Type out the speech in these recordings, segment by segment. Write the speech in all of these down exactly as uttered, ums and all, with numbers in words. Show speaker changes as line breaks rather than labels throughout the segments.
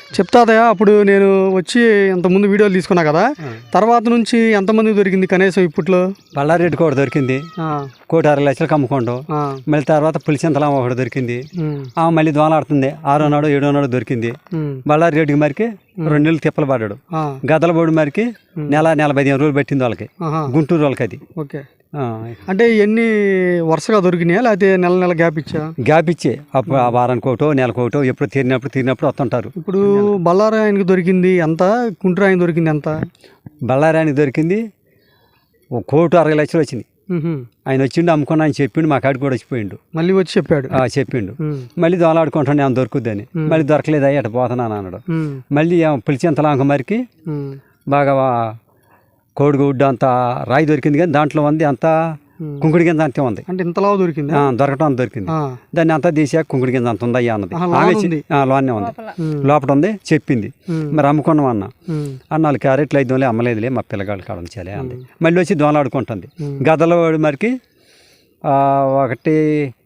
చెప్తాదయా అప్పుడు నేను వచ్చి ఇంతకుముందు వీడియోలు తీసుకున్నా కదా, తర్వాత నుంచి ఎంతమందికి దొరికింది కనీసం ఇప్పట్లో?
బళ్ళారెడ్డి కూడా దొరికింది, కోటి అరవై లక్షలకు అమ్ముకోండు. మళ్ళీ తర్వాత పులిచింతలం ఒకటి దొరికింది, ఆమె మళ్ళీ దోలాడుతుంది. ఆరో నాడు ఏడో నాడు దొరికింది. బళ్ళారెడ్డికి మరికి రెండు నెలలు తిప్పలు పడ్డాడు. గదలబోడి మరికి నెల నెల పదిహేను రోజులు పెట్టింది వాళ్ళకి, గుంటూరు వాళ్ళకి. అది
ఓకే. అంటే ఎన్ని వరుసగా దొరికినాయా లేకపోతే నెల నెల గ్యాప్ ఇచ్చా?
గ్యాప్ ఇచ్చే అప్పుడు ఆ వారానికి ఒకటో నెలకు ఒకటో ఎప్పుడు తీరినప్పుడు తీరినప్పుడు వస్తుంటారు.
ఇప్పుడు బళ్ళారి ఆయనకి దొరికింది ఎంత, గుంటూరు ఆయన దొరికింది ఎంత?
బళ్ళారి ఆయనకి దొరికింది ఒక కోటి అరవై లక్షలు వచ్చింది. ఆయన వచ్చిండు, అమ్ముకున్నా ఆయన చెప్పిండు, మా కాడికి కూడా వచ్చిపోయిండు.
మళ్ళీ వచ్చి చెప్పాడు
చెప్పిండు మళ్ళీ దోలాడుకుంటాను ఏమైనా దొరుకుద్దని. మళ్ళీ దొరకలేదు, అయ్యి అటు పోతున్నాను అన్నాడు. మళ్ళీ పులిచింతలాంక మరికి బాగా కోడిగుడ్డు అంతా రాయి దొరికింది, కానీ దాంట్లో ఉంది అంతా కుంకుడి కింద అంతే ఉంది.
అంటే ఇంతలా దొరికింది,
దొరకటం దొరికింది. దాన్ని అంతా తీసాక కుంకుడి కింద అంత ఉందయ్యా అన్నది. లోనే ఉంది, లోపల ఉంది చెప్పింది. మరి అమ్ముకున్నాం అన్న అన్న నాలుగు క్యారెట్లు ఐదు వందలే అమ్మలేదులే, మా పిల్లగాళ్ళు కాడ ఉంచాలే అంది. మళ్ళీ వచ్చి దోలాడుకుంటుంది. గదల మరికి ఒకటి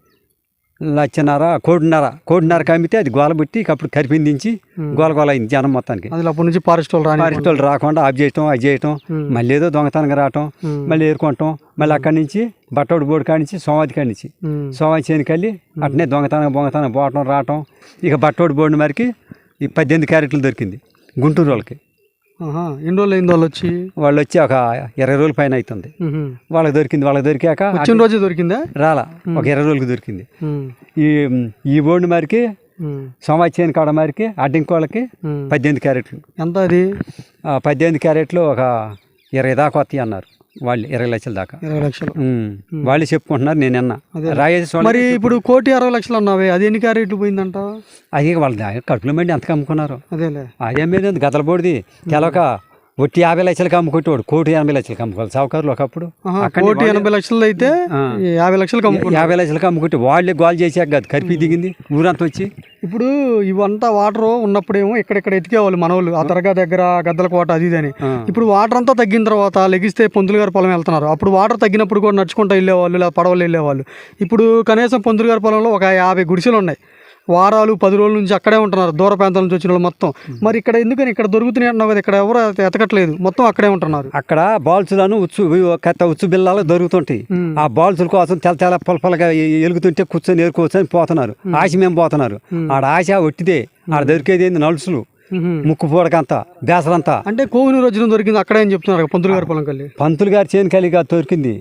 లచ్చన్నర కోటిన్నర కోటిన్నరకి అమ్మితే అది గోల పెట్టి అప్పుడు కరిపిందించి గోల గోల అయింది జనం మొత్తానికి.
అప్పటి నుంచి ఫారెస్ట్ వాళ్ళు
ఫారెస్ట్ వాళ్ళు రాకుండా ఆఫ్ చేయటం, అది చేయటం, మళ్ళీ ఏదో దొంగతనంగా రావటం, మళ్ళీ ఏరుకోవటం. మళ్ళీ అక్కడి నుంచి బట్టోడు బోర్డు కాడి నుంచి సోమాది కాడి నుంచి సోమాది చేనికి వెళ్ళి అట్నే దొంగతనం బొంగతనం పోవటం రావటం. ఇక బట్టోడు బోర్డు మరికి ఈ పద్దెనిమిది క్యారెట్లు దొరికింది గుంటూరు వాళ్ళకి.
ఎన్ని రోజులు అయింది వాళ్ళు వచ్చి?
వాళ్ళు వచ్చి ఒక ఇరవై రోజుల పైన అవుతుంది. వాళ్ళకి దొరికింది. వాళ్ళకి దొరికాక
వచ్చిన రోజే దొరికిందా? రాలా,
ఒక ఇరవై రోజులకి దొరికింది. ఈ ఈ బోర్డు మరికి సోమాచేని కాడ మరికి అడ్డింకోళ్ళకి పద్దెనిమిది క్యారెట్లు. ఎంత అది? పద్దెనిమిది క్యారెట్లు ఒక ఇరవై దాకా వస్తాయి అన్నారు వాళ్ళు, ఇరవై లక్షల దాకా.
ఇరవై లక్షలు
వాళ్ళు చెప్పుకుంటున్నారు, నేను అన్నా రాయేసి.
మరి ఇప్పుడు కోటి అరవై లక్షలు అన్నావే, అది ఎన్ని క్యారెట్లు పోయిందంట?
అది వాళ్ళ కడుపులో మండి ఎంతకు అమ్ముకున్నారు.
అదేలే,
అదే మీద గదలబోడిది తెలక ఒట్టి యాభై లక్షలకి అమ్ముకుంటేవాడు కోటి ఎనభై లక్షలకి అమ్ముకోవాలి సావుకారులు ఒకప్పుడు.
కోటి ఎనభై లక్షలు అయితే యాభై లక్షలకి అమ్ముకో
యాభై లక్షలకి అమ్ముకుంటే వాళ్ళే గోల్ చేసాక కాదు కరిపి దిగింది ఊరంతా వచ్చి.
ఇప్పుడు ఇవంతా వాటర్ ఉన్నప్పుడేమో ఇక్కడెక్కడ ఎతికేవాళ్ళు మనోళ్ళు, ఆ దర్గా దగ్గర గద్దల కోట అది ఇదని. ఇప్పుడు వాటర్ అంతా తగ్గిన తర్వాత లెగిస్తే పొంతులు గారి పొలం వెళ్తున్నారు. అప్పుడు వాటర్ తగ్గినప్పుడు కూడా నడుచుకుంటూ వెళ్ళేవాళ్ళు, లేదా పడవలు వెళ్ళేవాళ్ళు. ఇప్పుడు కనీసం పొంతులు గారి పొలంలో ఒక యాభై గుడిసెలు ఉన్నాయి. వారాలు పది రోజుల నుంచి అక్కడే ఉంటున్నారు, దూర ప్రాంతాల నుంచి వచ్చిన వాళ్ళు మొత్తం. మరి ఇక్కడ ఎందుకని ఇక్కడ దొరుకుతున్నాయి అంటున్నావు కదా, ఇక్కడ ఎవరు ఎతకట్లేదు, మొత్తం అక్కడే ఉంటున్నారు.
అక్కడ బాల్సులను ఉచ్చు కత్త ఉచ్చు బిల్లాలు దొరుకుతుంటాయి. ఆ బాల్సుల కోసం తెల్ల తెల్ల పొలపలగా ఎలుగుతుంటే కూర్చొని ఏరుకోవచ్చు అని పోతున్నారు. ఆశ మేము పోతున్నారు. ఆడ ఆశ ఒట్టిదే, ఆడ దొరికేది ఏంది నలుసులు, ముక్కు పూడకంతా బేసరంతా.
అంటే కోహినూరు వచ్చిన దొరికింది అక్కడే అని చెప్తున్నారు పంతులు గారి పొలం కల్లి.
పంతులు గారి చేను కలిగా దొరికింది.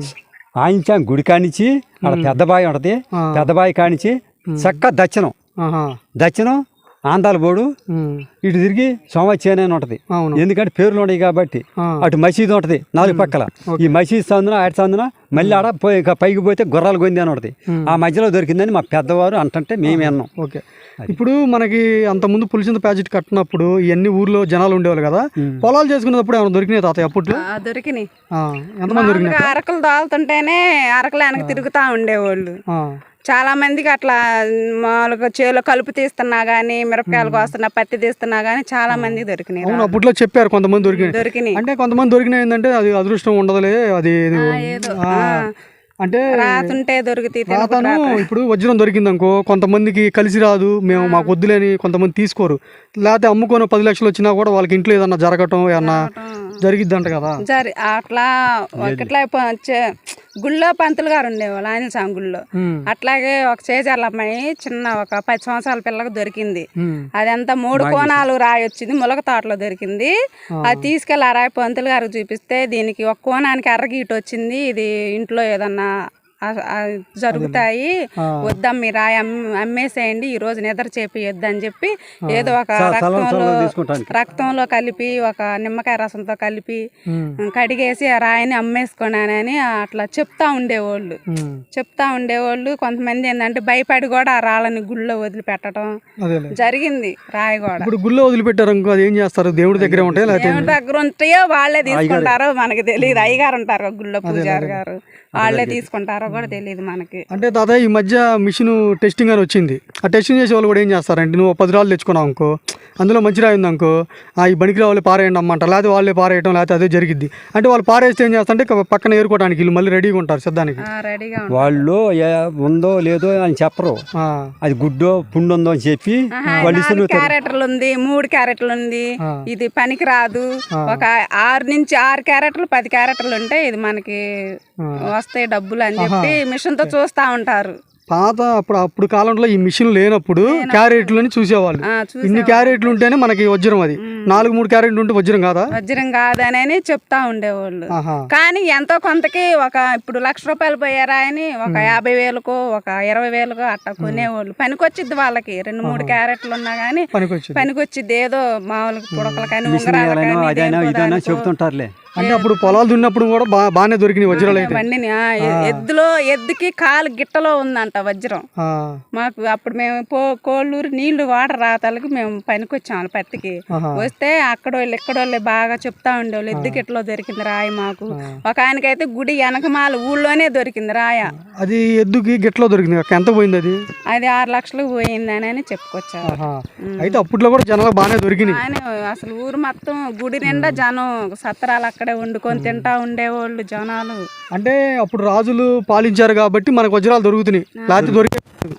ఆయించా గుడి కానించి ఆడ పెద్ద బావి ఉంటది, పెద్ద బావి కానించి చక్క దచ్చనం దచ్చనం ఆందాల బోడు ఇటు తిరిగి సోమచేనే అని ఉంటది. ఎందుకంటే పేర్లు ఉన్నాయి కాబట్టి. అటు మసీదు ఉంటది నాలుగు పక్కల. ఈ మసీదు సందున ఆడి సందున మళ్ళీ ఆడ పోయి పైకి పోతే గుర్రాలు గొంది అని ఉంటది. ఆ మధ్యలో దొరికిందని మా పెద్దవారు అంటుంటే మేమే అన్నాం.
ఓకే. ఇప్పుడు మనకి అంతకుముందు పులిచింత ప్యాకెట్ కట్టినప్పుడు ఇవన్నీ ఊర్లో జనాలు ఉండేవాళ్ళు కదా, పొలాలు చేసుకునేటప్పుడు ఏమైనా దొరికినాయి తాతయ్య అప్పట్లో?
దొరికినాయి.
ఎంతమంది దొరికినాయి?
అరకలు దాల్తుంటేనే అరకలు వెనక తిరుగుతా ఉండేవాళ్ళు. చాలా మందికి అట్లా మామూలుగా చేలో కలుపు తీస్తున్నా గానీ, మిరపకాయలు కోస్తున్నా, పత్తి తీస్తున్నా గానీ చాలా మందికి దొరికినాయి.
అవును, అప్పట్లో చెప్పారు కొంతమంది దొరికినాయి దొరికినాయి అంటే కొంతమంది దొరికినాయి ఏంటంటే అది అదృష్టం ఉండదులే, అది అంటే
రాతుంటే దొరికితే.
ఇప్పుడు వజ్రం దొరికింది అనుకో, కొంతమందికి కలిసి రాదు, మేము మాకు వద్దులేని కొంతమంది తీసుకోరు. లేకపోతే అమ్ముకొని పది లక్షలు వచ్చినా కూడా వాళ్ళకి ఇంట్లో ఏదన్నా జరగటం ఏమన్నా జరిగిద్దంట కదా.
జరి అట్లా ఒకట్లా గుళ్ళో పంతులు గారు ఉండేవాళ్ళు ఆంజనేయ స్వామి గుళ్ళో. అట్లాగే ఒక చేజర్ల అమ్మాయి చిన్న ఒక పది సంవత్సరాల పిల్లకి దొరికింది. అదంతా మూడు కోణాలు రాయి వచ్చింది, ములక తోటలో దొరికింది. అది తీసుకెళ్ళి ఆ రాయి పంతులు గారికి చూపిస్తే దీనికి ఒక కోణానికి ఎర్రగీట వచ్చింది, ఇది ఇంట్లో ఏదన్నా జరుగుతాయి, వద్దాం మీరు రాయి అమ్మేసేయండి, ఈ రోజు నిద్ర చేపియొద్దు అని చెప్పి ఏదో ఒక రక్తంలో రక్తంలో కలిపి ఒక నిమ్మకాయ రసంతో కలిపి కడిగేసి ఆ రాయిని అమ్మేసుకున్నానని అట్లా చెప్తా ఉండేవాళ్ళు చెప్తా ఉండేవాళ్ళు కొంతమంది ఏంటంటే భయపడి కూడా ఆ రాళ్ళని గుళ్ళో వదిలిపెట్టడం జరిగింది. రాయి కూడా
ఇప్పుడు గుళ్ళో వదిలిపెట్టారు, ఏం చేస్తారు? దేవుడి దగ్గర ఉంటాయి,
దేవుడి దగ్గర ఉంటాయో వాళ్ళే తీసుకుంటారో మనకి తెలియదు. అయ్యగారు ఉంటారు గుళ్ళో, పూజారి గారు వాళ్ళే తీసుకుంటారో కూడా తెలియదు మనకి.
అంటే తాతయ్య ఈ మధ్య మిషన్ టెస్టింగ్ అని వచ్చింది. ఆ టెస్టింగ్ చేసే వాళ్ళు కూడా ఏం చేస్తారంటే నువ్వు పది రాళ్ళు తెచ్చుకున్నావు అనుకో, అందులో మంచి రాయి ఉంది అనుకో, ఈ బనికి రావాలి పారేయండి అమ్మంటారు, లేకపోతే వాళ్ళే పారేయటం, లేకపోతే అదే జరిగిద్ది. అంటే వాళ్ళు పారేస్తే ఏం చేస్తారంటే పక్కన ఏరుకోవడానికి వీళ్ళు మళ్ళీ రెడీగా ఉంటారు సిద్ధానికి.
రెడీగా
వాళ్ళు ఉందో లేదో అని చెప్పరు, అది గుడ్డో పుండు ఉందో అని చెప్పి వాళ్ళు
క్యారెక్టర్లు ఉంది, మూడు క్యారెక్టర్లు ఉంది, ఇది పనికి రాదు, ఒక ఆరు నుంచి ఆరు క్యారెక్టర్లు పది క్యారెక్టర్లు ఉంటే ఇది మనకి వస్తాయి డబ్బులు అని చెప్పి మిషన్ తో చూస్తా ఉంటారు.
పాత అప్పుడు అప్పుడు కాలంలో ఈ మిషన్ లేనప్పుడు క్యారెట్లని చూసేవాళ్ళు. ఇన్ని క్యారెట్లు ఉంటేనే మనకి వజ్రం, అది నాలుగు మూడు క్యారెట్లు ఉంటే వజ్రం కాదా?
వజ్రం కాదని చెప్తా ఉండేవాళ్ళు. కానీ ఎంతో కొంతకి ఒక ఇప్పుడు లక్ష రూపాయలు పోయారా అని ఒక యాభై వేలకో ఒక ఇరవై వేలకో అట్లా కొనేవాళ్ళు. పనికొచ్చిద్ది వాళ్ళకి, రెండు మూడు క్యారెట్లు ఉన్నా గానీ పనికొచ్చిద్ది. ఏదో మామూలు పుడకలు కానీ ఉంగరాలు
చెబుతుంటారులే.
అంటే అప్పుడు పొలాలు దున్నప్పుడు కూడా బా బాగానే దొరికినాయి వజ్రాలు అయితే.
బండిని ఎద్దులో ఎద్దుకి కాలు గిట్టలో ఉందంట వజ్రం. మాకు అప్పుడు మేము పో కోళ్ళూరు నీళ్లు వాటర్ రాతాలకి మేము పనికి వచ్చాము పత్తికి. వస్తే అక్కడ వాళ్ళు ఇక్కడ వాళ్ళు బాగా చెప్తా ఉండేవాళ్ళు ఎద్దు గిట్టలో దొరికింది రాయి మాకు. ఒక ఆయనకైతే గుడి వెనకమాల ఊళ్ళోనే దొరికింది రాయ.
అది ఎద్దుకి గిట్టలో దొరికింది. ఎంత పోయింది అది?
అది ఆరు లక్షలకు పోయింది అని చెప్పుకొచ్చారు.
అయితే అప్పట్లో కూడా జనాలు బాగానే దొరికినాయి.
అసలు ఊరు మొత్తం గుడి నిండా జనం సత్రాలు అక్కడే వండుకొని తింటా ఉండేవాళ్ళు జనాలు.
అంటే అప్పుడు రాజులు పాలించారు కాబట్టి మనకు వజ్రాలు దొరుకుతున్నాయి, లేకపోతే దొరికే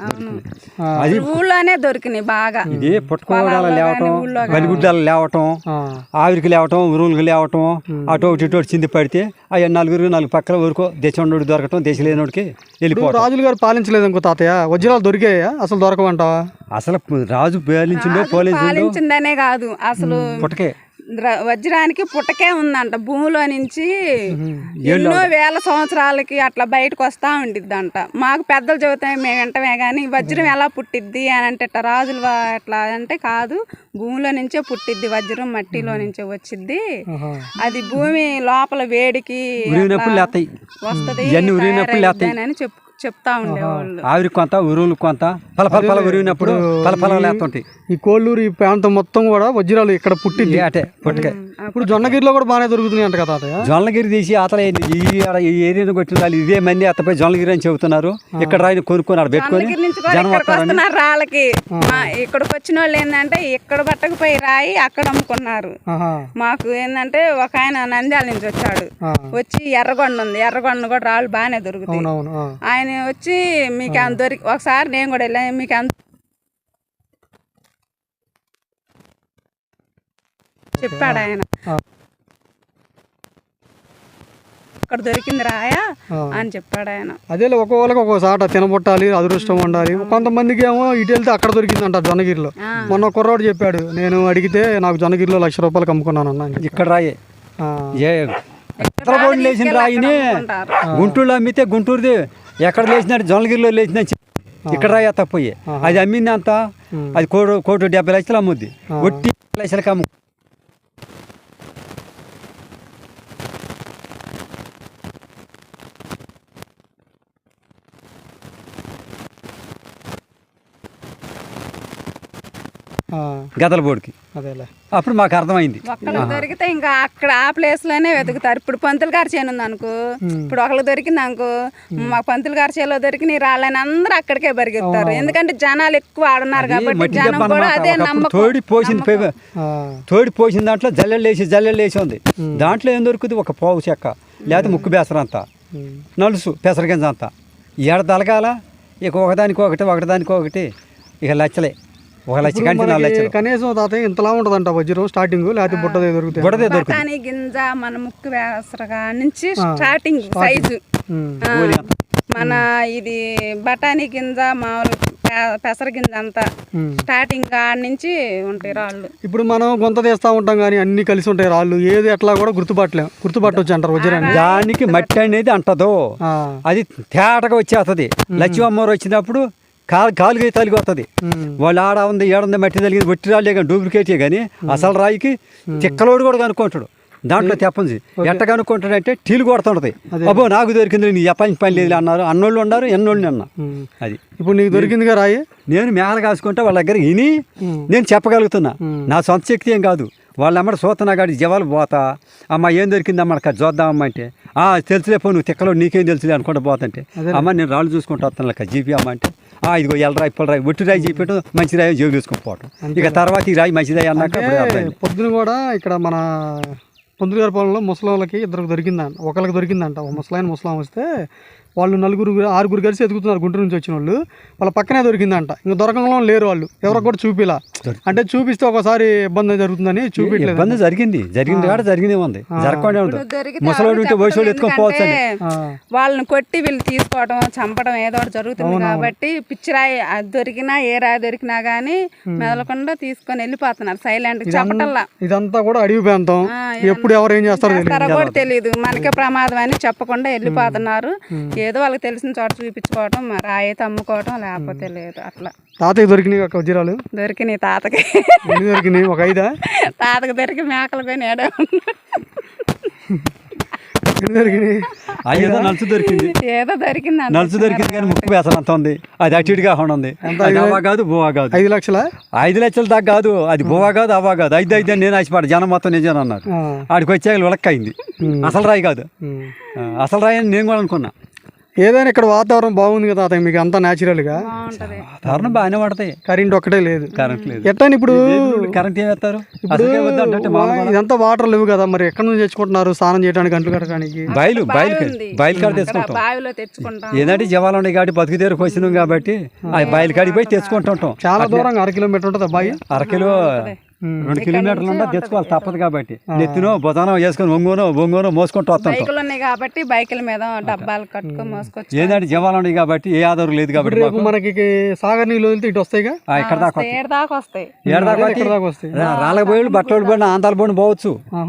అది ఊళ్ళోనే దొరికినాయి బాగా.
ఇది పుట్టుకోవడాలు లేవటం, బలిగుడ్డాలు లేవటం, ఆవిరికి లేవటం, ఉరువులకు లేవటం, అటు ఒకటి ఇటు చింది పడితే అవి నలుగురు నాలుగు పక్కల ఊరుకో దేశంలోకి దొరకటం, దేశం లేనోడికి వెళ్ళిపోవడం.
రాజులు గారు పాలించలేదు అనుకో తాతయ్య, వజ్రాలు దొరికాయా? అసలు దొరకమంటావా?
అసలు రాజు పాలించిందో
పాలించిందనే కాదు, అసలు
పుట్టకే
వజ్రానికి పుట్టకే ఉందంట. భూమిలో నుంచి ఎన్నో వేల సంవత్సరాలకి అట్లా బయటకు వస్తా ఉండిద్దంట. మాకు పెద్దలు చెబుతాయి మేము వింటమే కానీ వజ్రం ఎలా పుట్టిద్ది అని అంటే రాజులు ఎట్లా అంటే కాదు, భూమిలో నుంచే పుట్టిద్ది వజ్రం, మట్టిలో నుంచే వచ్చిద్ది. అది భూమి లోపల వేడికి వస్తుంది అని చెప్పు చెప్తా ఉండేవాళ్ళు.
ఆవిరి కొంత ఉరువులు కొంత ఫల ఫల ఫల ఉరిగినప్పుడు ఫల ఫల లేస్తుంటాయి.
ఈ కోళ్ళూరు ఈ ప్రాంతం మొత్తం కూడా వజ్రాలు ఇక్కడ పుట్టింది.
అటే పుట్టకే.
ఇప్పుడు జొన్నగిరిలో కూడా బాగానే దొరుకుతున్నాయి అంట కదా?
జొన్నగిరి తీసి అతల ఈ ఏరియాను కొట్టిన వాళ్ళు ఇదే మంది అత్తపై జొన్నగిరి అని చెబుతున్నారు. ఇక్కడ రాయిని కొనుక్కొని ఆడ పెట్టుకొని
వస్తున్నారు రాళ్ళకి. ఇక్కడికి వచ్చిన వాళ్ళు ఏంటంటే ఇక్కడ పట్టకపోయి రాయి అక్కడ అమ్ముకున్నారు. మాకు ఏంటంటే ఒక ఆయన నంద్యాల నుంచి వచ్చాడు, వచ్చి ఎర్రగొండ ఉంది, ఎర్రగొండ కూడా రాళ్ళు బాగానే దొరుకుతాయి. ఆయన వచ్చి మీకు అంత దొరికి ఒకసారి నేను కూడా వెళ్ళాను, మీకు అంత చెప్పాడు ఆయన, అక్కడ దొరికింది రాయా అని చెప్పాడు ఆయన.
అదే ఒక్కొక్కరికి ఒక్కోసాట తినబొట్టాలి, అదృష్టం ఉండాలి. కొంతమందికి ఏమో ఇటు వెళ్తే అక్కడ దొరికిందంట జొన్నగిరిలో. మొన్న కుర్రాడు చెప్పాడు, నేను అడిగితే నాకు జొన్నగిరిలో లక్ష రూపాయలకు అమ్ముకున్నాను అన్న.
ఇక్కడ రాయే లేచిన రాయిని గుంటూరులో అమ్మితే గుంటూరుది ఎక్కడ లేచినట్టు జొన్నగిరిలో లేచిన ఇక్కడ రాయ తప్పయ్యే. అది అమ్మింది అంత, అది కోటి కోటి డెబ్బై లక్షలు అమ్ముద్ది, ఒట్టి లక్షలకి అమ్ము. గదల బోర్డుకి
అదేలే.
అప్పుడు మాకు అర్థమైంది
ఒకళ్ళకి దొరికితే ఇంకా అక్కడ ఆ ప్లేస్ లోనే వెతుకుతారు. ఇప్పుడు పంతులు గారి చేను ఉంది అనుకో, ఇప్పుడు ఒకళ్ళకి దొరికింది అనుకో, మా పంతులు గారి చేలో దొరికి రాళ్ళని అందరూ అక్కడికే పరిగెత్తారు. ఎందుకంటే జనాలు ఎక్కువ ఆడున్నారు కాబట్టి జనం కూడా అదే నమ్మకం.
తోడి పోసింది తోడి పోసిన దాంట్లో జల్లెలు వేసి జల్లెలు వేసి ఉంది. దాంట్లో ఏం దొరుకుతుంది? ఒక పావు చెక్క, లేకపోతే ముక్కు బేసర అంతా, నలుసు పెసరగింజ అంతా. ఏడ తలగాల ఇక ఒకదానికి ఒకటి ఒకటిదానికి ఒకటి ఇక లచ్చలే. ఒక లక్ష కంటే నాలుగు లక్షలు
కనీసం తాతయ్య ఇంతలా ఉంటదంట వజ్రం స్టార్టింగ్, లేకపోతే బుట్టదే దొరుకుతాయి.
బుట్టదే దొరుకుతుంది.
బఠానీ గింజ మన ముక్కు వేసరగా నుంచి స్టార్టింగ్ సైజు మన ఇది బఠానీ గింజ మామూలు పెసర గింజ అంతా స్టార్టింగ్ కాడ నుంచి ఉంటాయి రాళ్ళు.
ఇప్పుడు మనం గొంత తీస్తా ఉంటాం కానీ అన్ని కలిసి ఉంటాయి రాళ్ళు, ఏది ఎట్లా కూడా గుర్తుపట్టలేం. గుర్తుపట్టవచ్చు అంటారు వజ్రాన్ని.
దానికి మట్టి అనేది అంటదో, అది తేటగా వచ్చేస్తుంది. లక్ష్మీ అమ్మవారు వచ్చినప్పుడు కాలు కాలుగా తలిగి వస్తుంది. వాళ్ళు ఆడ ఉంది ఏడుంది మట్టి తలిగింది, ఒట్టి రాళ్ళే కానీ డూప్లికేటే కానీ అసలు రాయికి చిక్కలోడు కూడా కనుక్కుంటాడు. దాంట్లో తెప్పంది ఎట్ట కనుక్కుంటాడంటే టీలు కొడుతుంటది. అబ్బో నాకు దొరికింది, నీ ఎప్పని పని లేదు అన్నారు. అన్నోళ్ళు ఉన్నారు, ఎన్నోళ్ళు అన్న. అది
ఇప్పుడు నీకు దొరికిందిగా రాయి.
నేను మేళ కాసుకుంటే వాళ్ళ దగ్గర విని నేను చెప్పగలుగుతున్నా. నా సొంత శక్తి ఏం కాదు, వాళ్ళ అమ్మడి సూతనా గాడి జవాలు పోతా అమ్మ ఏం దొరికిందమ్మ అక్కడ చూద్దామమ్మ అంటే ఆ తెలుసులే పో నువ్వు తిక్కలో నీకేం తెలుసులే అనుకుంటా పోతుంటే అమ్మ నేను రాళ్ళు చూసుకుంటా వస్తాను లెక్క జీపీ అమ్మ అంటే ఆ ఇదిగో ఎల్లరాయి ఇప్పలరాయి ఒట్టి రాయి చెప్పేటం మంచి రాయి జోలు తీసుకొని పోవటం ఇక తర్వాత ఈ రాయి మంచిరాయి అన్నాక అప్పుడు అర్థమైంది.
పొద్దున కూడా ఇక్కడ మన పొందులు గారి పొలంలో ముసలాళ్ళకి ఇద్దరికి దొరికిందంట, ఒకరికి దొరికిందంట. ఒక ముసలాయన ముసలాం వస్తే వాళ్ళు నలుగురు ఆరుగురు కలిసి ఎదుగుతున్నారు గుంటూరు నుంచి వచ్చిన వాళ్ళు. వాళ్ళ పక్కనే దొరికిందంట. ఇంకా దొరకంలో లేరు వాళ్ళు, ఎవరికి కూడా చూపిలా. అంటే చూపిస్తే ఒకసారి ఇబ్బంది జరుగుతుందని చూపించలేదు.
ఇబ్బంది జరిగింది జరిగింది కాడ జరిగినే ఉంది, జరగకుండా ఉంటుంది. ముసలోడు ఉంటే వయసు ఎత్తుకొని పోవచ్చు.
వాళ్ళని కొట్టి వీళ్ళు తీసుకోవడం చంపడం ఏదో ఒకటి జరుగుతుంది కాబట్టి పిచ్చిరాయి అది దొరికినా ఏ రాయి దొరికినా గానీ మెదలకుండా తీసుకొని వెళ్ళిపోతున్నారు సైలెంట్ చెప్పటల్లా.
ఇదంతా కూడా అడవి ప్రాంతం, ఎప్పుడు ఎవరు ఏం చేస్తారో
కూడా తెలియదు, మనకే ప్రమాదం అని చెప్పకుండా వెళ్ళిపోతున్నారు. ఏదో వాళ్ళకి తెలిసిన చోట చూపించుకోవటం, రాయి అయితే అమ్ముకోవటం, లేకపోతే లేదు అట్లా.
తాతకి దొరికినాయి ఒక వజ్రాలు
దొరికినాయి తాతకి.
ఎన్ని దొరికినాయి? ఒక ఐదా?
తాతకి దొరికి మేకలు పోయి ఏడో
దొరికినాయి.
ఏదో నలుసు దొరికింది,
ఏదో దొరికింది
నలుసు దొరికింది కానీ ముక్కు వేసలు అంత ఉంది. అది అటు ఇటుగా ఉంది. అవా కాదు బోవా కాదు.
ఐదు లక్షల
ఐదు లక్షల దాకా కాదు, అది బోవా కాదు అవా కాదు. ఐదు ఐదు నేను ఆశపడ జనం మొత్తం నిజం అన్నారు. ఆడికి వచ్చాక విలక్కయింది. అసలు రాయి కాదు, అసలు రాయి అని నేను కూడా అనుకున్నా.
ఏదైనా ఇక్కడ వాతావరణం బాగుంది కదా తాత, మీకు అంతా న్యాచురల్ గా
వాతావరణం బాగానే పడతాయి.
కరెంట్ ఒక్కటే లేదు.
కరెంట్ లేదు.
ఎట్లా ఇప్పుడు
కరెంట్ ఏం వేస్తారు?
ఇప్పుడు ఇదంతా వాటర్ లేవు కదా, మరి ఎక్కడ నుంచి తెచ్చుకుంటున్నారు స్నానం చేయడానికి, గంటలు కట్టడానికి?
బయలు బయలు బయలు కాడ తెచ్చుకుంటాం.
బావిలో తెచ్చుకుంటాం.
ఏదంటే జవాలు ఉన్నాయి కాబట్టి బతుకు తీరకు వచ్చినాం కాబట్టి ఆ బయలు కాడికి పోయి తెచ్చుకుంటుంటాం.
చాలా దూరంగా అర కిలోమీటర్ ఉంటుంది అబ్బాయి.
అరకిలో రెండు కిలోమీటర్లు ఉంటే తెచ్చుకోవాలి తప్పదు కాబట్టి నెత్తినో బొదానో వేసుకొని ఒంగోనో బొంగోనో మోసుకుంటూ వస్తాం.
బైకులు ఉన్నాయి కాబట్టి బైకుల మీద డబ్బాలు కట్టుకొని మోసుకొచ్చి
ఏంటంటే జవాలు ఉన్నాయి కాబట్టి ఏ ఆధారం లేదు కాబట్టి
రేపు మనకి సాగర్ నీళ్ళు వదిలితే ఇటు వస్తాయిగా,
ఇక్కడ దాకా
ఏడు దాకా వస్తాయి.
ఏడు దాకా
వస్తాయి.
రాళ్ళకి పోయి బట్టలు పడిన ఆంధ్రాల పోయిన పోవచ్చు,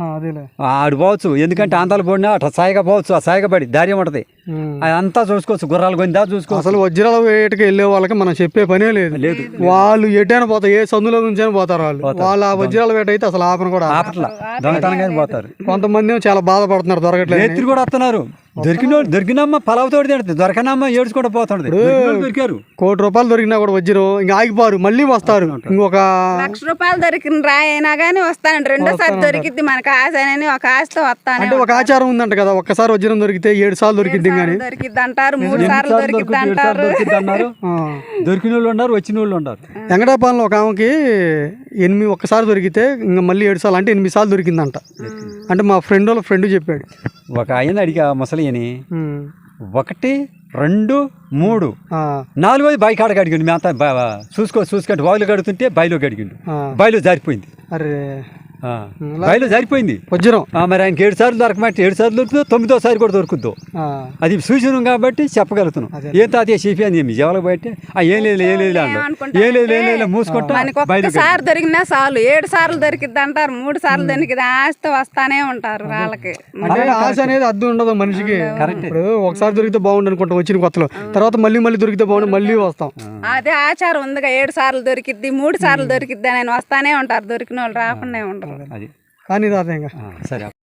ఆడు పోవచ్చు. ఎందుకంటే ఆంధ్రాల పోయినా అట్లా సాయిగా పోవచ్చు. ఆ సాయిగా పడి దారి ఉంటది, అదంతా చూసుకోవచ్చు. గుర్రాలు కొని దా చూసుకోవచ్చు.
అసలు వజ్రాల వేటకి వెళ్ళే వాళ్ళకి మనం చెప్పే పనే లేదు. లేదు వాళ్ళు ఎటైనా పోతారు, ఏ సందులో నుంచి పోతారు వాళ్ళు. వాళ్ళ వజ్రాల వేట అయితే అసలు ఆపన కూడా
ఆపట్లా, దొంగతనంగా పోతారు.
కొంతమంది చాలా బాధపడుతున్నారు, దొరకట్లేదు.
ఎత్తులు కూడా వస్తున్నారు. దొరికిన దొరికినమ్మ పలావుతోటి తింటుంది, దొరకనమ్మ ఏడ్చుకుంటూ పోతుంది. దొరికారు
కోటి రూపాయలు దొరికినా కూడా వజ్రం ఇంకా ఆగిపోరు, మళ్ళీ వస్తారు. ఇంకొక
లక్ష రూపాయలు దొరికిన రాయి అయినా కానీ వస్తానండి. రెండోసారి దొరికిద్ది మనకు ఆశ అని ఒక ఆశతో వస్తాను.
అంటే ఒక ఆచారం ఉందంట కదా, ఒక్కసారి వజ్రం దొరికితే ఏడు సార్లు దొరికిద్ది కానీ
దొరికిద్ది అంటారు, మూడు సార్లు దొరికిద్ది అంటారు.
అన్నారు దొరికిన వాళ్ళు ఉన్నారు, వచ్చిన వాళ్ళు ఉన్నారు.
వెంకటాపాలెంలో ఒక ఆమెకి ఎనిమిది ఒక్కసారి దొరికితే ఇంకా మళ్ళీ ఏడు సార్లు అంటే ఎనిమిది సార్లు దొరికిందంట. అంటే మా ఫ్రెండ్ వాళ్ళ ఫ్రెండ్ చెప్పాడు.
ఒక ఆయన అడిగా ముసలి అని, ఒకటి రెండు మూడు నాలుగోది బైక్ ఆడ గడిగిండు. మేమంతా చూసుకో చూసుకుంటే బావిలో గడుతుంటే బయలు గడిగిండు, బయలు జారిపోయింది.
అరే
బయలు జారిపోయింది
వజ్రం.
మరి ఆయనకి ఏడు సార్లు దొరకమంటే ఏడు సార్లు దొరుకుతుందో తొమ్మిదోసారి కూడా దొరుకుద్దో అది సూచన కాబట్టి చెప్పగలుగుతున్నాం. ఏం తాతయ్య చెప్పి అని చెప్పి జవాలకు బయట ఏం లేదు ఏం లేదు అన్నాడు. ఏం లేదు ఏం లేదు మూసుకుంటా
సార్ దొరికినా చాలు, ఏడు సార్లు దొరికిద్ది అంటారు, మూడు సార్లు దొరికింది ఆశతో వస్తానే ఉంటారు వాళ్ళకి.
ఆశ అనేది అద్దు ఉండదు మనిషికి. ఇప్పుడు ఒకసారి దొరికితే బాగుండు అనుకుంటాం వచ్చిన కొత్తలో, తర్వాత మళ్ళీ మళ్ళీ దొరికితే బాగుండు మళ్ళీ వస్తాం.
అదే ఆచారం ఉందిగా, ఏడు సార్లు దొరికిద్ది మూడు సార్లు దొరికిద్ది అని వస్తానే ఉంటారు. దొరికిన వాళ్ళు రాకుండా ఉండరు.
కానీ తాత ఇంకా
సరే.